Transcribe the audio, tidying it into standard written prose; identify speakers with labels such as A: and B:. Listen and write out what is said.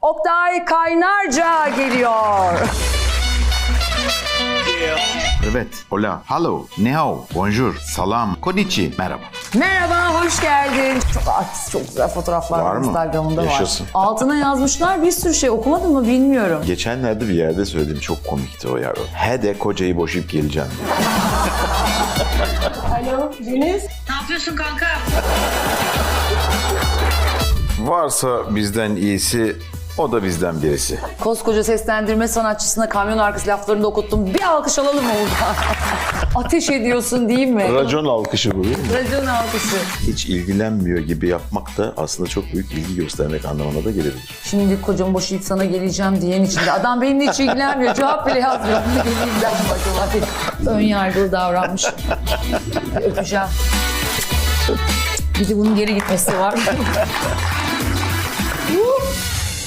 A: Oktay Kaynarca geliyor.
B: Evet, hola, hello, ni hao, bonjour, salam, konnichi, merhaba.
A: Merhaba, hoş geldin. Çok artist, çok güzel fotoğraflar
B: Var
A: var
B: mı?
A: Instagram'da
B: Yaşasın.
A: var. Altına yazmışlar bir sürü şey. Okumadın mı bilmiyorum.
B: Geçenlerde bir yerde söyledim, çok komikti o ya. He de kocayı boşayıp geleceğim diye.
A: Alo, Deniz.
C: Ne yapıyorsun kanka?
B: Varsa bizden iyisi, o da bizden birisi.
A: Koskoca seslendirme sanatçısına kamyon arkası laflarını da okuttum. Bir alkış alalım mı burada? Ateş ediyorsun değil mi?
B: Racon alkışı bu değil mi?
A: Racon alkışı.
B: Hiç ilgilenmiyor gibi yapmak da aslında çok büyük ilgi göstermek anlamına da gelebilir.
A: Şimdi kocamı boşayıp sana geleceğim diyen içinde. Adam benimle hiç ilgilenmiyor. Cevap bile yazmıyor. Ne geleyim ben acaba diye. Ön yargılı davranmış. Öpeceğim. Bir de bunun geri gitmesi var.